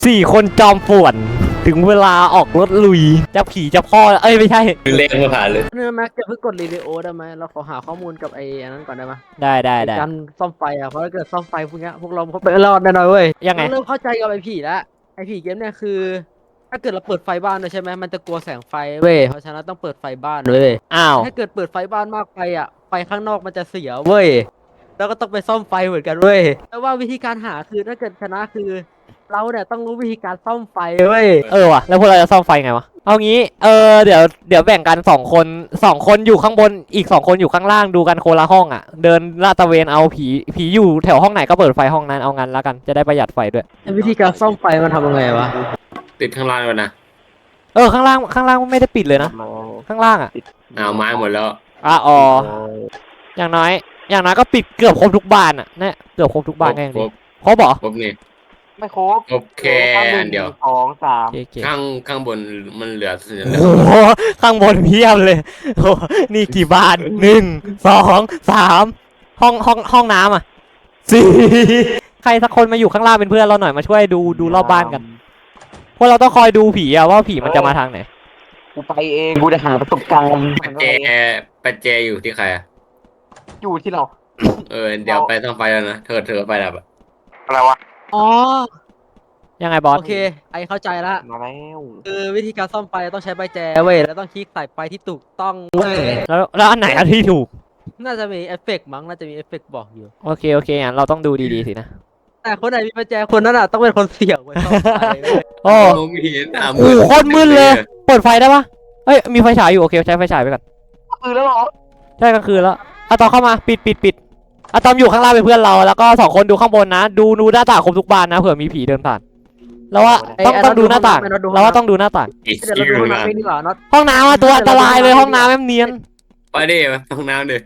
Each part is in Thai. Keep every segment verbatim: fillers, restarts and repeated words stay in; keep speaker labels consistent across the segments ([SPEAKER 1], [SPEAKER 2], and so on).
[SPEAKER 1] สี่คนจอมป่วนถึงเวลาออกรถลุยจะผีจะพ่อเอ้ยไม่ใช่
[SPEAKER 2] เลขมาผ่านเลย
[SPEAKER 3] เนื้อแม็กจะเพิ่งกดรีวิโอได้ไหมเราขอหาข้อมูลกับไอ้อันนั้นก่อนได้ไหม
[SPEAKER 1] ได้ได้ได้
[SPEAKER 3] การซ่อมไฟอ่ะเพราะถ้าเกิดซ่อมไฟพวกเนี้ยพวกเราเขาไปรอดแน่นอนเว้ย
[SPEAKER 1] ยังไง
[SPEAKER 3] เริ่มเข้าใจกับไอ้ผีแล้วไอ้ผีเกมเนี่ยคือ ถ้าเกิดเราเปิดไฟบ้านด้วยใช่ไหมมันจะกลัวแสงไฟเว้ยเพราะฉะนั้นต้องเปิดไฟบ้านเว้ย
[SPEAKER 1] อ้าว
[SPEAKER 3] ถ้าเกิดเปิดไฟบ้านมากไปอ่ะไฟข้างนอกมันจะเสียเว้ยแล้วก็ต้องไปซ่อมไฟเหมือนกันเว้ยแต่ว่าวิธีการหาคือถ้าเกิดชนะคือ เราเนี่ยต้องรู้วิธีการซ่อมไฟเว้ย
[SPEAKER 1] เออว่ะแล้วพวกเราจะซ่อมไฟไงวะเอางี้เออเดี๋ยวเดี๋ยวแบ่งกันสองคนสองคนอยู่ข้างบนอีกสองคนอยู่ข้างล่างดูกันคนละห้องอ่ะเดินลาดตระเวนเอาผีผีอยู่แถวห้องไหนก็เปิดไฟห้องนั้นเอางั้นแล้วกันจะได้ประหยัดไฟด้วย
[SPEAKER 3] วิธีการซ่อมไฟมันทำยังไงวะ
[SPEAKER 2] ติดข้างล่างก่อนนะ
[SPEAKER 1] เออข้างล่างข้างล่างไม่ได้ปิดเลยนะข้างล่างอ่ะ
[SPEAKER 2] อ้าวไม้หมดแล้ว
[SPEAKER 1] อ่ะอ๋ออย่างน้อยอย่างน้อยก็ปิดเกือบครบทุกบานอ่ะเนี่ยเกือบครบทุกบานก็ยัง
[SPEAKER 2] คร
[SPEAKER 1] ดี
[SPEAKER 2] บ
[SPEAKER 1] ครบเหรอ
[SPEAKER 2] ครบนี่
[SPEAKER 4] ไม่ครบ
[SPEAKER 2] ครบแค่อันเดียว
[SPEAKER 4] สองสาม
[SPEAKER 1] โอเค
[SPEAKER 2] ข้างข้างบนมันเหลือเหลือ
[SPEAKER 1] โอ้โหข้างบนเพียบเลยโอ้โหนี่กี่บานหนึ่งสองสามห้องห้องห้องน้ำอ่ะสี่ใครสักคนมาอยู่ข้างล่างเป็นเพื่อนเราหน่อยมาช่วยดูดูรอบบ้านกันพวกเราต้องคอยดูผีอะว่าผีมันจะมาทางไหน
[SPEAKER 4] กูไปเองกูจะหาประสบการณ์
[SPEAKER 2] ปัจเจปัจเจอยู่ที่ใครอะ
[SPEAKER 4] อยู่ที่เรา
[SPEAKER 2] เออเดี๋ยวไปต้องไปแล้วนะเธอเธอไปแล้วอะ
[SPEAKER 4] อะไรวะ
[SPEAKER 3] อ๋อ
[SPEAKER 1] ยังไงบอส
[SPEAKER 3] โอเคไอเข้าใจละ
[SPEAKER 4] มาแล้ว
[SPEAKER 3] คือวิธีการซ่อมไฟต้องใช้ใบแจเว้ยแล้วต้องคลิกใส่ไฟที่ถูกต้องเว้ย
[SPEAKER 1] แล้วแล้วอันไหนอันที่ถูก
[SPEAKER 3] น่าจะมีเอฟเฟกต์มั้งน่าจะมีเอฟเฟกต์บอกอยู่
[SPEAKER 1] โอเคโอเคงั้นเราต้องดูดีๆสินะ
[SPEAKER 3] แต่คนไหนมีใบแจคนนั้นอ่ะต้องเป็นคนเสี่ยงเว้ยซ่อมไฟเว้ย
[SPEAKER 1] โอ้
[SPEAKER 2] มองไม่เห็นอ่ะ
[SPEAKER 1] โหโคตรมืดเลย เปิดไฟได้ปะเอ้ยมีไฟฉายอยู่โอเคใช้ไฟฉายไปก่อน
[SPEAKER 4] คือแล้วเหรอ
[SPEAKER 1] ใช่กลางคืนแล้วอะตอมเข้ามาปิดปิดปิดอะตอมอยู่ข้างล่างเป็นเพื่อนเราแล้วก็สองคนดูข้างบนนะดูดูหน้าต่างครบทุกบานนะเผื่อมีผีเดินผ่านแล้วว่าต้องต้องดูหน้าต่างแล้วว่าต้องดูหน้าต่าง
[SPEAKER 2] อีก
[SPEAKER 3] เดี๋ยว
[SPEAKER 2] ที่
[SPEAKER 3] เราดู
[SPEAKER 2] ดู
[SPEAKER 3] ห้อง
[SPEAKER 2] นะ
[SPEAKER 3] น้ำไม่ดีกว่าน็อต
[SPEAKER 1] ห้องน้ำอะตัวอันตรายเลยห้องน้ำแม่มเนียน
[SPEAKER 2] ไปดิไปห้องน้ำดิ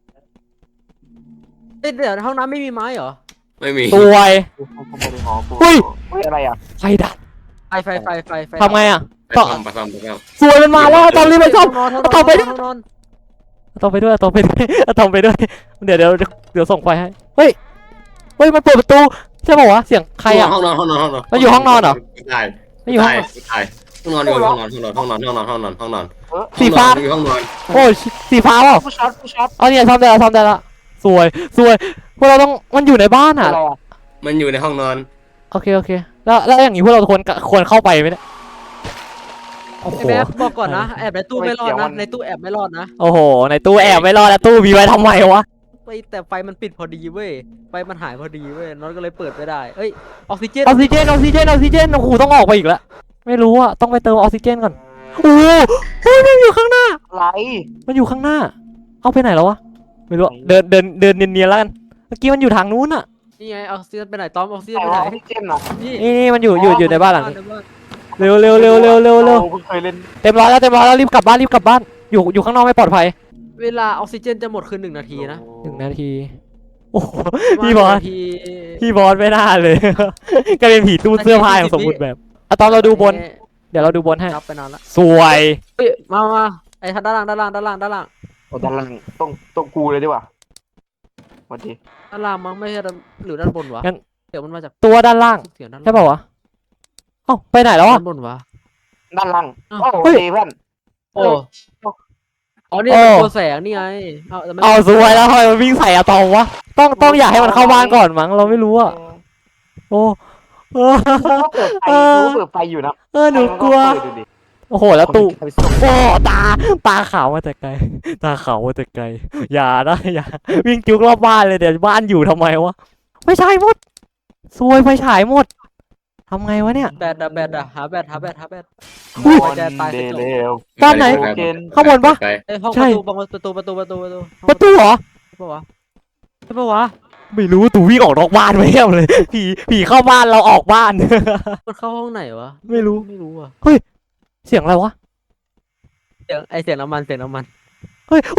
[SPEAKER 3] เอ้ยเดี๋ยวห้องน้ำไม่มีไม้เหรอ
[SPEAKER 2] ไม่มี
[SPEAKER 1] สวย
[SPEAKER 4] กูกูไม่ได้หอกู
[SPEAKER 1] เฮ้ย
[SPEAKER 4] เฮ้ยอะไรอ่ะ
[SPEAKER 1] ไฟดับ
[SPEAKER 3] ไฟไฟไฟไฟไฟ
[SPEAKER 1] ทำไงอะ
[SPEAKER 2] ไปซ่อมไปซ่อมไปซ่อม
[SPEAKER 1] สวยมันมาแล้วอะตอมรีบไปซ่อม
[SPEAKER 3] ห้องนอน
[SPEAKER 1] เอาต่อไป
[SPEAKER 3] ห้องนอน
[SPEAKER 1] อะตอมไปด้วยอะตอมไปด้วยอะตอมไปด้วยเดี๋ยวเดี๋ยวเดี๋ยวส่งไฟให้เฮ้ยเฮ้ยมันเปิดประตูใช่ป่าวะเสียงใครอะ
[SPEAKER 2] ห้องนอนห้องนอนห้องนอน
[SPEAKER 1] มันอยู่ห้องนอนเหรอ
[SPEAKER 2] ใช่
[SPEAKER 1] ไม่อยู่ห้อง
[SPEAKER 2] ใช่ห้องนอนอยู่ห้องนอนห้องนอนห้องนอนห้องนอนห้องนอนห้องนอน
[SPEAKER 1] สีฟ้า
[SPEAKER 2] อยู่ห้องนอน
[SPEAKER 1] โอ้ยสีฟ้าเปล่า
[SPEAKER 4] ผู้ช็อตผู้ช็อต
[SPEAKER 1] เอาเนี่ยทำได้แล้วทำได้แล้วสวยสวยพวกเราต้องมันอยู่ในบ้าน
[SPEAKER 4] อะ
[SPEAKER 1] อ่ะ
[SPEAKER 4] ไรอ่ะ
[SPEAKER 2] มันอยู่ในห้องนอน
[SPEAKER 1] โอเคโอเคแล้วแล้วอย่างนี้พวกเราควรควรเข้าไปไหมเนี่ยโอ้โห
[SPEAKER 3] ไอ้แม็กบอกก่อนนะแอบในตู้ไม่รอดนะในตู้แอบไม่รอดนะ
[SPEAKER 1] โอ้โหในตู้แอบไม่รอดแล้วตู้มีไว้ทำไมวะ
[SPEAKER 3] ไปแต่ไฟมันปิดพอดีเว้ยไฟมันหายพอดีเว้ยน็อตก็เลยเปิดไม่ได้เอ้ยออกซิเจน
[SPEAKER 1] ออกซิเจนออกซิเจนออกซิเจนโอ้โหต้องออกไปอีกแล้วไม่รู้อ่ะต้องไปเติมออกซิเจนก่อนโอ้โหเฮ้ยมันอยู่ข้างหน้า
[SPEAKER 4] อะไร
[SPEAKER 1] มันอยู่ข้างหน้า เอาไปไหนแล้ววะไม่รู้อะเดินเดินเดินเนียนๆแล้วกันเมื่อกี้มันอยู่ทางนู้นอ่ะ
[SPEAKER 3] นี่ไงออกซิเจนไปไหนตอมออกซิเจน
[SPEAKER 4] แต่
[SPEAKER 3] ไปไห
[SPEAKER 4] ว่าน ออกซิเจนอ่ะ
[SPEAKER 3] นี่
[SPEAKER 1] นี่นี่มันอยู่อยู่อยู่ในบ้านหลังนี้
[SPEAKER 3] ในบ้าน
[SPEAKER 1] เร็วเร็วเร็วเร็วเร็วเร็ว
[SPEAKER 4] ราเพิ่งเคยเล่น
[SPEAKER 1] เต็มร้อยแล้วเต็มร้อยแล้วรีบกลับบ้านรีบกลับบ้านอยู่อยู่ข้างนอกไม่ปลอดภัย
[SPEAKER 3] เวลาออกซิเจนจะหมดคือหนึ่งนาทีนะ
[SPEAKER 1] หนึ่งนาที โอ้โหพี่บอส
[SPEAKER 3] ประมาณหนึ่งนาที
[SPEAKER 1] พี่บอสไม่น่าเลย ก็เป็นผีตู้เสื้อผ้าอย่างสมบูรณ์แบบอะตอนเราดูบน เดี๋ยวเราดูบนให้
[SPEAKER 3] รับไปนานละ
[SPEAKER 1] สวย
[SPEAKER 3] เฮ้ยมามาไอ้ทางด้านล่างด้านล่างด้านล่างด้านล่าง
[SPEAKER 4] โอ้ด้านล่างต้องต้องกูเลยดีกว่าสวัสดี
[SPEAKER 3] ด้านล่างมั้งไม่ใช่ด้านหรือด้านบนวะเดี๋ยวมันมาจาก
[SPEAKER 1] ตัวด้านล่าง
[SPEAKER 3] เสียงด้าน
[SPEAKER 1] ใช่ป่าวะเอ้าไปไหนแล้วอ่ะ
[SPEAKER 3] ด้านบนวะ
[SPEAKER 4] ด้านล่าง
[SPEAKER 3] อ้าว
[SPEAKER 4] โอ้
[SPEAKER 1] เฮ้ย
[SPEAKER 4] ดีเพื่อน
[SPEAKER 3] โอ้อ๋อนี่
[SPEAKER 1] โอ้
[SPEAKER 3] เป็นตัวแสงนี่ไงเอาแต่ไม่
[SPEAKER 1] เอาสวยแล้วทำไมมันวิ่งใส่อะตอมวะต้องต้องอยากให้มันเข้าบ้านก่อนมั้งเราไม่รู้อะโอ้เออ
[SPEAKER 4] กูก็เปิดไฟกูก็เปิดไฟอยู่นะ
[SPEAKER 1] เออหนูกลัว
[SPEAKER 4] เปิดดูดิ
[SPEAKER 1] โอ้โหแล้วตู้
[SPEAKER 4] คนที่ทำให้
[SPEAKER 1] โอ้ตาตาขาวมาแต่ไกลตาขาวมาแต่ไกลอย่านะอย่าวิ่งจุกรอบบ้านเลยเดี๋ยวบ้านอยู่ทำไมวะไม่ใช่หมดซวยไฟฉายหมดทำไงวะเนี่ย
[SPEAKER 3] แบตอะแบตอะหาแบตหาแบตหาแบต
[SPEAKER 1] อุ้ย
[SPEAKER 3] หัวใจตาย
[SPEAKER 4] เด
[SPEAKER 3] กระจก
[SPEAKER 4] เร็ว
[SPEAKER 1] บ้านไหน
[SPEAKER 4] เกณฑ์
[SPEAKER 1] ข้างบนปะ
[SPEAKER 2] ไป
[SPEAKER 3] เอ้ยห้อง
[SPEAKER 1] ใช่
[SPEAKER 3] ประตูประตูประตูประตูประตู
[SPEAKER 1] ประตูเหรอ
[SPEAKER 3] ใช่ปะวะใช่ปะวะ
[SPEAKER 1] ไม่รู้ตู่วิ่งออกนอกบ้านไปเรียบเลยผีผีเข้าบ้านเราออกบ้าน
[SPEAKER 3] มันเข้าห้องไหนวะ
[SPEAKER 1] ไม่รู้
[SPEAKER 3] ไม่รู้อะ
[SPEAKER 1] เสียงอะไรวะ
[SPEAKER 3] เสียงไอเสียงน้ำมันเสียงน้ำมัน
[SPEAKER 1] เฮ้ย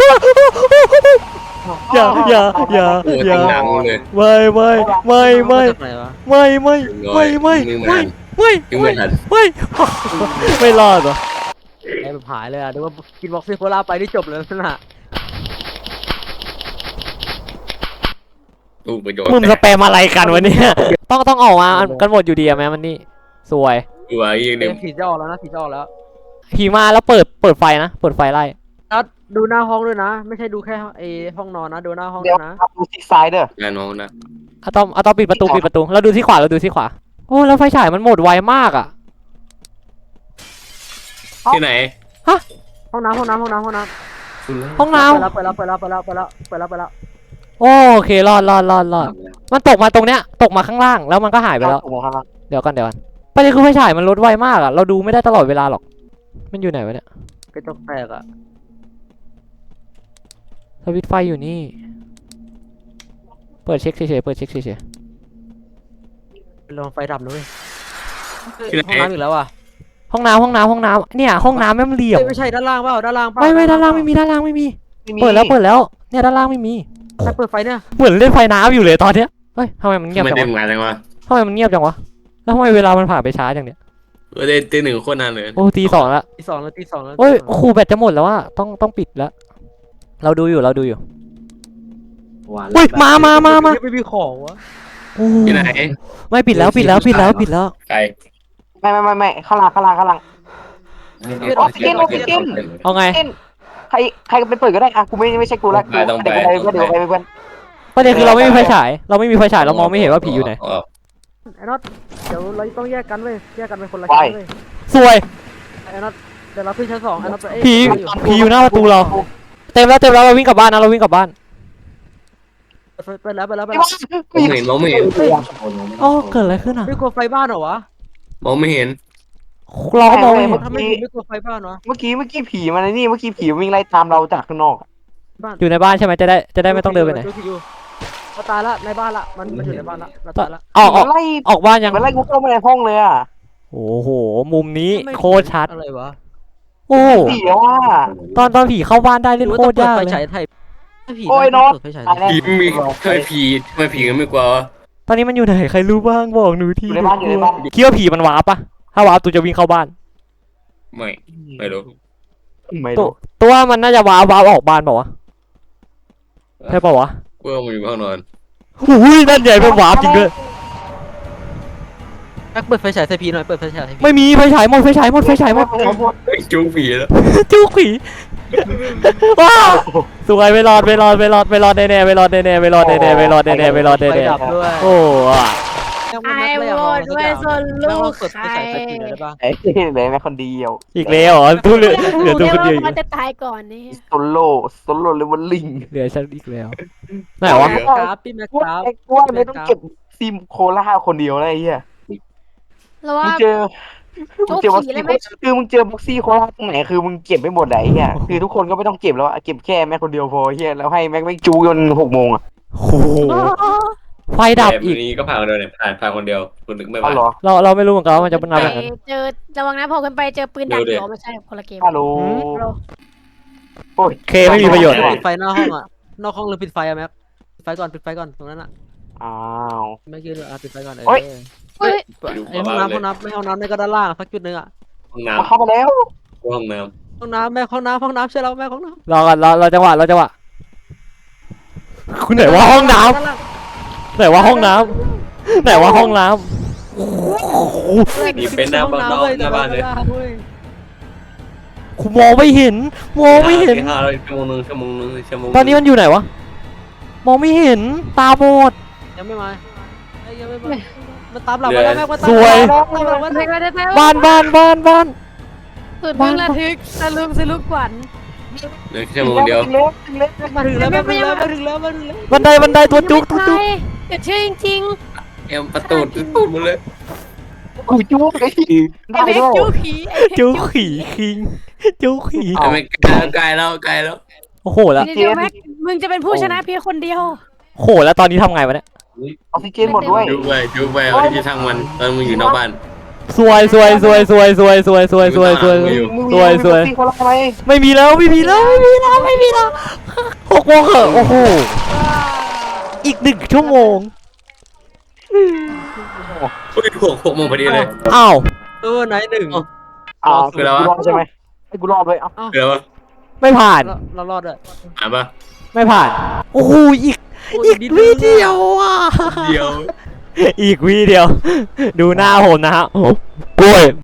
[SPEAKER 1] อย่าอย่าอย่า
[SPEAKER 2] โอ้ย
[SPEAKER 1] อย่า
[SPEAKER 2] หนังเลย
[SPEAKER 1] ไม่ไม่ไม่ไม่
[SPEAKER 3] าจากไหนวะ
[SPEAKER 1] ไม่ไม่ไม่ไม่
[SPEAKER 2] ยิง
[SPEAKER 1] ไม่
[SPEAKER 2] ไม่
[SPEAKER 1] ไม่
[SPEAKER 2] ยิงไม่ทัน
[SPEAKER 1] ไม่ไม่รอดเหรอ
[SPEAKER 3] ไอแบบหายเลยอะนึกว่ากินบ็อกซี่โคลาไปที่จบเลยลักษณะ
[SPEAKER 2] ตู้ประโยชน์
[SPEAKER 1] มึงสแปมอะไรกันวะเนี่ยต้องต้องออกมากันหมดอยู่ดีอะแม่มันนี่สวย
[SPEAKER 2] อยู่อ่ะอีกหนึ่ง
[SPEAKER 3] ผีจะออกแล้วนะผีจะออกแล้ว
[SPEAKER 1] ผีมาแล้วเปิดเปิดไฟนะเปิดไฟไล่
[SPEAKER 3] นัดดูหน้าห้องด้วยนะ ไม่ใช่ดูแค่ไอห้องนอนนะ ดูหน้าห้อง
[SPEAKER 4] เดี๋
[SPEAKER 3] ด้
[SPEAKER 4] ยว
[SPEAKER 3] วยนะ
[SPEAKER 4] ครับดูที่ซ้ายเด้อ
[SPEAKER 2] งานน้องนะ
[SPEAKER 1] อะตอมอะตอมปิดประตูปิดประตูเราดูที่ขวาเราดูที่ขวาโอ้แล้วไฟฉายมันหมดไวมากอ่ะ
[SPEAKER 2] ที่ไหน
[SPEAKER 3] ห้องน้ำห้องน้ำห้องน้ำห้องน้
[SPEAKER 1] ห้อง
[SPEAKER 3] ำ
[SPEAKER 1] น้
[SPEAKER 3] เปิดแล้วเปิดแล้วเปิดแล้วเปิดแล้วเปิดแล้วเปิดแล้วเปิดแล้ว
[SPEAKER 1] ำโอเครอดรอดรอดรอดมันตกมาตรงเนี้ยตกมาข้างล่างแล้วมันก็หายไปแล้ว
[SPEAKER 4] ถูกครับ
[SPEAKER 1] เดี๋ยวก่อนเดี๋ยวก่อนประเด็นคือไฟฉายมันลดไวมากอ่ะเราดูไม่ได้ตลอดเวลาหรอกมันอยู่ไหนวะเนี่ย
[SPEAKER 3] กระจกแตกอะ
[SPEAKER 1] สวิตช์ไฟอยู่นี่เปิดเช็คเฉยๆเปิดเช็คเฉย
[SPEAKER 3] ลองไฟดับนะเว้ย
[SPEAKER 2] ที่ไหน
[SPEAKER 3] ห้องน้ำอีกแล้วอ่ะ
[SPEAKER 1] ๆห้องน้ำห้องน้ำห้องน้ำเนี่ยห้องน้ำไม่มันเหลี่ยม
[SPEAKER 3] เอ้ยไม่ใช่ด้านล่างเปล่าด้านล่างเปล่า
[SPEAKER 1] ไม่ไม่ด้านล่างไม่มีด้านล่างไม่มี
[SPEAKER 4] ไม่มี
[SPEAKER 1] เปิดแล้วเปิดแล้วเนี่ยด้านล่างไม่มี
[SPEAKER 3] ใครเปิดไฟเนี่ย
[SPEAKER 1] เหมือนเล่นไฟน้ำอยู่เลยตอนเนี้ยเฮ้ยทำไมมันเงียบ
[SPEAKER 2] ไม่
[SPEAKER 1] จัง
[SPEAKER 2] ได้
[SPEAKER 1] วะ
[SPEAKER 2] ทำงานจังวะ
[SPEAKER 1] ทำไมมันเงียบจังวะแล้วทำไมเวลามันผ่านไปช้าจังเนี่ย
[SPEAKER 2] เออได้ตีหนึ่งโคตรนานเลย
[SPEAKER 1] โอ้ตีสองละ
[SPEAKER 3] ตีสองแล้วตีสองแล้ว
[SPEAKER 1] โอ้ยโอ้โหแบตจะหมดแล้วว่าต้องต้องปิดแล้วเราดูอยู่เราดูอยู่เฮ้ยมามามามา
[SPEAKER 3] ไม่มีของวะ
[SPEAKER 1] โอ้
[SPEAKER 2] ที่ไหน
[SPEAKER 1] ไม่ปิดแล้วปิดแล้วปิดแล้วปิดแล้ว
[SPEAKER 2] ไกล
[SPEAKER 4] ไม่ไม่ไม่ไม่ข้างล่างข้างล่างข้างล่าง ออกซิเจนออกซิเจน
[SPEAKER 1] เอาไง
[SPEAKER 4] เช่นใครใครไปเปิดก็ได้อะกูไม่ไม่ใช่กูละกูเดี๋ยวกูไปเดี๋ยวไปเพื่อน
[SPEAKER 1] ประเด็นคือเราไม่มีไฟฉายเราไม่มีไฟฉายเรามองไม่เห็นว่าผีอยู่ไหน
[SPEAKER 3] ไอ้น็อตเดี๋ยวเราต้องแยกกันเว้ยแยกกันเป็นคนละ
[SPEAKER 4] ไป
[SPEAKER 3] ชั้นเว้ย
[SPEAKER 1] สวย
[SPEAKER 3] ไอ้น็อตเดี๋ยวเราขึ้นชั้นสองไอ้น็อตไปเอ้ย
[SPEAKER 1] ผี ผีอยู่หน้าประตูเรา เต็มแล้วเต็มแล้วเราวิ่งกลับบ้านนะเราวิ่งกลับบ้าน
[SPEAKER 3] ไปไปแล้วไปแล้วไป
[SPEAKER 4] ไม่
[SPEAKER 3] แล้ว
[SPEAKER 2] มองไม่เห็นมองไม่เห็น
[SPEAKER 1] อ๋อเกิดอะไรขึ้นอ่ะ
[SPEAKER 3] ไม่กลัวไฟบ้านเหรอวะ
[SPEAKER 2] มองไม่เห็น
[SPEAKER 1] เราก็มองไม่เห็น
[SPEAKER 3] ทำไมถึงไม่กลัวไฟบ้านวะ
[SPEAKER 4] เมื่อกี้เมื่อกี้ผีมันนี่เมื่อกี้ผีวิ่งไล่ตามเราจากข้างนอก
[SPEAKER 3] บ้าน
[SPEAKER 1] อยู่ในบ้านใช่ไหมจะได้จะได้ไม่ต้องเดินไปไหน
[SPEAKER 3] ผีอยู่เขาตายละในบ้านละมันมันอยู่ในบ้านละมันตายละ
[SPEAKER 1] ออกออก
[SPEAKER 4] ไล่
[SPEAKER 1] ออกบ้านยัง
[SPEAKER 4] มันไล่กูเข้ามาในห้องเลยอ่ะ
[SPEAKER 1] โอ้โหมุมนี้โคตรชัด
[SPEAKER 3] อะไรวะ
[SPEAKER 1] โอ้
[SPEAKER 4] เดี๋ยวอ่ะ
[SPEAKER 1] ตอนตอนผีเข้าบ้านได้
[SPEAKER 3] หรื
[SPEAKER 1] เล่
[SPEAKER 3] อน ว่า
[SPEAKER 1] โค
[SPEAKER 3] ต้อง
[SPEAKER 1] ตร
[SPEAKER 3] เปิด
[SPEAKER 1] ยาก
[SPEAKER 3] ไฟ
[SPEAKER 1] เล
[SPEAKER 3] ฉาย
[SPEAKER 1] ย
[SPEAKER 3] ไทยถ้าผี
[SPEAKER 4] โอ้ย
[SPEAKER 3] ได้
[SPEAKER 4] น็อต
[SPEAKER 3] เปิดไฟฉายไทย
[SPEAKER 2] ผีมีทำไมผีทำไมผีกันไม่กลัววะ
[SPEAKER 1] ตอนนี้มันอยู่ไหนใครรู้บ้างบอกหนูที
[SPEAKER 4] อยู่ในบ้านอยู่ในบ้าน
[SPEAKER 1] คิดว่าผีมันวาร์ปปะถ้าวาร์ปตูจะวิ่งเข้าบ้าน
[SPEAKER 2] ไม่ไม่รู้
[SPEAKER 4] ไม่
[SPEAKER 1] ตัว
[SPEAKER 4] รู้
[SPEAKER 1] ตัวมันน่าจะวาร์ปวาร์ปออกบ้านเปล่าวะใช่เปล่าวะ
[SPEAKER 2] กูว่ามันอยู่ห้องนอน
[SPEAKER 1] อุ้ยนั่นใหญ่เป็นวาร์ปจริงด้วย
[SPEAKER 3] แม็กเปิดไฟฉายใส่ผีหน่อยเปิดไฟฉายใส่ผี
[SPEAKER 1] ไม่มีไฟฉายหมดไฟฉายหมดไฟฉายหมด
[SPEAKER 2] เฮ้ยจูงผีแล้ว
[SPEAKER 1] จู้ผีว้าวสวยไม่รอดไม่รอดไม่รอดไม่รอดแน่ๆไม่รอดแน่ๆไม่รอดแน่ๆไม่รอดแน่ๆไม่รอด
[SPEAKER 3] ไฟ
[SPEAKER 1] แน่
[SPEAKER 3] ดับด้วย
[SPEAKER 1] ๆโอ้อะ
[SPEAKER 3] ไอ้โหวตด้วยส่วนลูกใคร
[SPEAKER 4] ไอ้เหลือแม่คนเดียว
[SPEAKER 1] อีกแล้วเหรอตู้เหลือเหลือตู้คนเดียวอยู่
[SPEAKER 5] มันจะตายก่อนนี่
[SPEAKER 4] โซโล่โซโล่เลเวลลิง
[SPEAKER 1] เหลือฉันอีกแล้วไหนวะ
[SPEAKER 3] แม็กกราฟพี่แม็ก
[SPEAKER 4] กู
[SPEAKER 3] กราฟ
[SPEAKER 4] ไอ้กูไม่ต้องเก็บซิมโคล่าคนเดียวเลยไอ้เหี้ย
[SPEAKER 5] แล้ว
[SPEAKER 4] มึ
[SPEAKER 5] ว่าง
[SPEAKER 4] เจอมึงเจอบ็อก
[SPEAKER 5] โจ๊กผี
[SPEAKER 4] ซี่
[SPEAKER 5] เลยไหม
[SPEAKER 4] คือมึงเจอบ็อกซี่โคราชตรงไหนคือมึงเก็บไม่หมดไหนเนี่ยคือทุกคนก็ไม่ต้องเก็บแล้วอะเก็บแค่แม็กคนเดียวพอเฮียแล้วให้แม็กแม็กจูจนหกโมงอะ
[SPEAKER 1] โอ้โหไฟดับอีก
[SPEAKER 2] แบบนี้ก็ผ่านคนเดียวเนี่ยผ่านผ่านคนเดียวคนหนึ่งไม่
[SPEAKER 4] อ๋อ
[SPEAKER 2] ผ่าน
[SPEAKER 4] เหรอ
[SPEAKER 1] เราเราไม่รู้เหมือนกันว่ามันจะเป็นอะไรแบบนั้น
[SPEAKER 5] เจอระวังนะพอขึ้นไปเจอปืนดัก
[SPEAKER 2] เดี๋ยว
[SPEAKER 5] เดี๋ยวไม่ใช่คนละเกม
[SPEAKER 4] ฮัลโหล
[SPEAKER 5] ฮัลโหล
[SPEAKER 4] โอ้ย
[SPEAKER 1] เคไม่มีประโยชน์
[SPEAKER 3] ปิดไฟหน้าห้องอ่ะนอกห้องหรือปิดไฟอะแม็กปิดไฟก่อนปิดไฟก่อนตรงนั้นอ่ะ
[SPEAKER 4] อ้าว
[SPEAKER 3] ไม่ยืนอ่ะปิดไฟก่อนเออ
[SPEAKER 4] โอ๊ย
[SPEAKER 5] เฮ้ย
[SPEAKER 3] ไอ้ห้องน้ำห้องน้ำไม่ห้องน้ำในก็ด้านล่างสักจุดหนึ่งอ่ะ
[SPEAKER 2] ห้องน้
[SPEAKER 4] มาเข้ามาแล้ว
[SPEAKER 2] ำกูห้องน้
[SPEAKER 3] ห้องน้ำแม่ห้องน้ำห้องน้ำใช่แล้วแม่ห้องน้ำ
[SPEAKER 1] รอก่อนรอรอจังหวะรอจังหวะคุณไหนว่าห้องน้ำไหนว่าห้องน้ำไหนว่าห้องน้ำโอ้โห
[SPEAKER 2] ำมีเป็นหน้าบ้านหน้าบ้านเลย
[SPEAKER 1] กูมองไม่เห็นมองไม่เห็น
[SPEAKER 2] ตีห้าแล้วชั่วโมงนึงชั่วโมงนึงชั่วโมง
[SPEAKER 1] ตอนนี้มันอยู่ไหนวะมองไม่เห็นตาบอด
[SPEAKER 3] ยังไม่มายังไม่มามันตามหลังมาแล้วแม่ว่าตาม
[SPEAKER 1] สวย
[SPEAKER 3] ตามหลังมา
[SPEAKER 5] เด็กเราจะไป
[SPEAKER 1] บ้านบ้านบ้านบ้าน
[SPEAKER 5] สุดมึงระทึกสลุมสลุกขวัญ
[SPEAKER 2] เหลือชั่วโมงเดียว
[SPEAKER 4] ถึงแล้วถึงแล้ว
[SPEAKER 3] มาถึงแล้วแม่มาถึงแล้วมาถึงแล้วมาถึงแล้ว
[SPEAKER 1] บันไดบันไดตัวจุกตัวจุก
[SPEAKER 5] เกิดชื่อจริง
[SPEAKER 2] เอ็มประตูตูดหมดเลย
[SPEAKER 4] กูจู้ไอ้ที่
[SPEAKER 5] ๆ
[SPEAKER 4] ได้
[SPEAKER 5] ไอ้เด็ก
[SPEAKER 4] ด้วย
[SPEAKER 5] จู้ผีไอ้เด็ก
[SPEAKER 1] จุกขี่คิงจุกขี่
[SPEAKER 2] ไอ้ไม่ไกลไกลแล้วไกลแล้ว
[SPEAKER 1] โอ้โหแล้ว
[SPEAKER 5] เดี๋ยวแม็กมึงจะเป็นผู้ชนะเพียงคนเดียว
[SPEAKER 1] โอ้โหแล้วตอนนี้ทำไงวะเนี่ย
[SPEAKER 4] ออกซิเจนหมดด้วย
[SPEAKER 2] ดูไปดูไปเขาจะทางมันตอนมึงอยู่นอกบ้าน
[SPEAKER 1] สวยสวยสวยสวยสวยสวยสวยสวยสวย
[SPEAKER 2] อยู่
[SPEAKER 4] มึง
[SPEAKER 1] สวยสวย
[SPEAKER 4] มีคนละไหม
[SPEAKER 1] ไม่มีแล้วไม่มีแล้วไม่มีแล้วไม่มีแล้วหกโมงเหอะโอ้โหอีกหนึ่งชั่วโมง
[SPEAKER 2] เฮ้ยหกหกโมงพอดีเลย
[SPEAKER 1] อ้าว
[SPEAKER 3] เออไหนหนึ่ง
[SPEAKER 4] อ้าว
[SPEAKER 2] คือแล้ววะ
[SPEAKER 4] กูรอดใช่ไหมให้กูรอดเลยเอ้า
[SPEAKER 2] เดี๋ยว
[SPEAKER 1] ไม่ผ่าน
[SPEAKER 3] เรารอดอ่ะ
[SPEAKER 2] อ่านปะ
[SPEAKER 1] ไม่ผ่านโอ้โหอีกอีกวิเดียวอ่ะ
[SPEAKER 2] เดียว
[SPEAKER 1] อีกวีเดียว ดูหน้าผมนะฮะกล้วย